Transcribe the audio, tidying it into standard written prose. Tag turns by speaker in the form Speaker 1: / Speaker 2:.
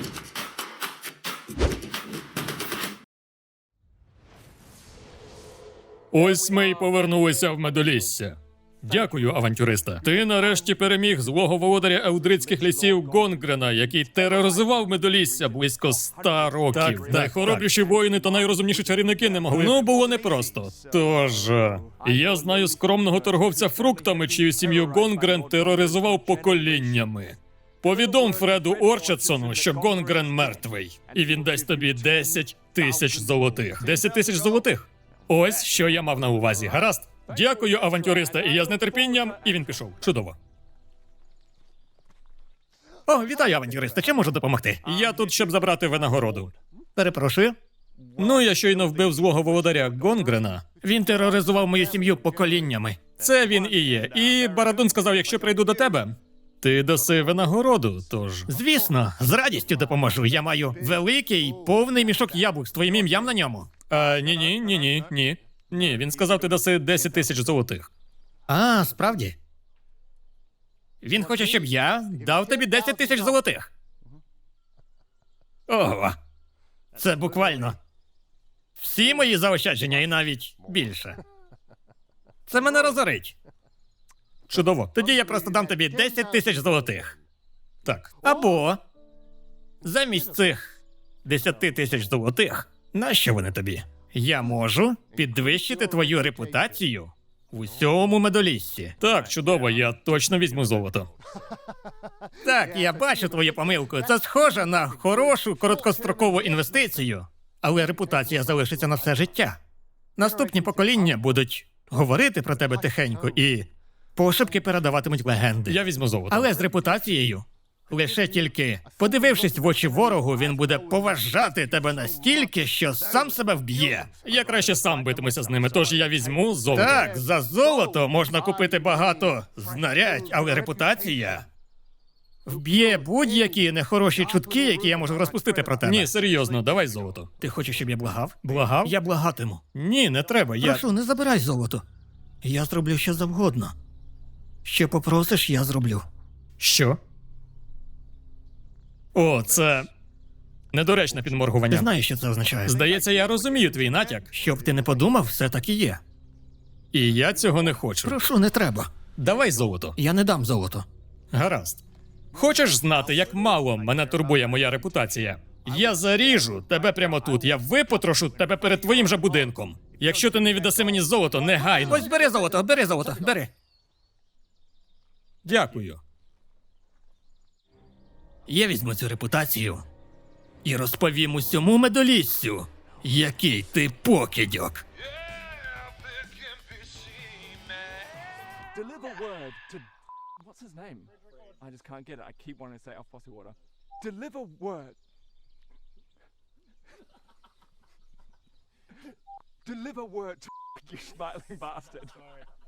Speaker 1: Ось ми й повернулися в Медолісся. Дякую, авантюриста. Ти нарешті переміг злого володаря Елдрицьких лісів Гонгрена, який тероризував Медолісся близько 100 років. Так, найхоробріші воїни та найрозумніші чарівники не могли. Ну, було непросто. Тож, я знаю скромного торговця фруктами, чию сім'ю Гонгрен тероризував поколіннями. Повідом Фреду Орчатсону, що Гонгрен мертвий. І він дасть тобі 10 тисяч золотих. 10 тисяч золотих? Ось, що я мав на увазі. Гаразд? Дякую, авантюриста, і я з нетерпінням, і він пішов. Чудово. О, вітаю, авантюриста, чим можу допомогти? Я тут, щоб забрати винагороду. Перепрошую. Ну, я щойно вбив злого володаря Гонгрена. Він тероризував мою сім'ю поколіннями. Це він і є. І Барадун сказав, якщо прийду до тебе, ти даси винагороду, тож... Звісно, з радістю допоможу. Я маю великий, повний мішок яблук з твоїм ім'ям на ньому. Ні. Ні, він сказав, ти даси 10 тисяч золотих. А, справді? Він хоче, щоб я дав тобі 10 тисяч золотих. Ого. Це буквально всі мої заощадження і навіть більше. Це мене розорить. Чудово. Тоді я просто дам тобі 10 тисяч золотих. Так. Або замість цих 10 тисяч золотих, нащо вони тобі? Я можу підвищити твою репутацію в усьому Медоліссі. Так, чудово, я точно візьму золото. Так, я бачу твою помилку. Це схоже на хорошу короткострокову інвестицію, але репутація залишиться на все життя. Наступні покоління будуть говорити про тебе тихенько і пошепки передаватимуть легенди. Я візьму золото. Але з репутацією лише тільки подивившись в очі ворогу, він буде поважати тебе настільки, що сам себе вб'є. Я краще сам битимуся з ними, тож я візьму золото. Так, за золото можна купити багато знарядь, але репутація вб'є будь-які нехороші чутки, які я можу розпустити про тебе. Ні, серйозно, давай золото. Ти хочеш, щоб я благав? Благав? Я благатиму. Ні, не треба, Прошу, не забирай золото. Я зроблю що завгодно. Що попросиш, я зроблю. Що? О, це недоречне підморгування. Ти знаєш, що це означає? Здається, я розумію твій натяк. Щоб ти не подумав, все так і є. І я цього не хочу. Прошу, не треба. Давай золото. Я не дам золото. Гаразд. Хочеш знати, як мало мене турбує моя репутація? Я заріжу тебе прямо тут, я випотрошу тебе перед твоїм же будинком. Якщо ти не віддаси мені золото, негайно. Ось бери золото, бери. Дякую. Я візьму цю репутацію і розповім усьому Медоліссю, який ти покидьок.
Speaker 2: Deliver word to... What's his name? I just can't get it. I keep wanting to say it off bottled water. Deliver word... Deliver word to... You smiling bastard.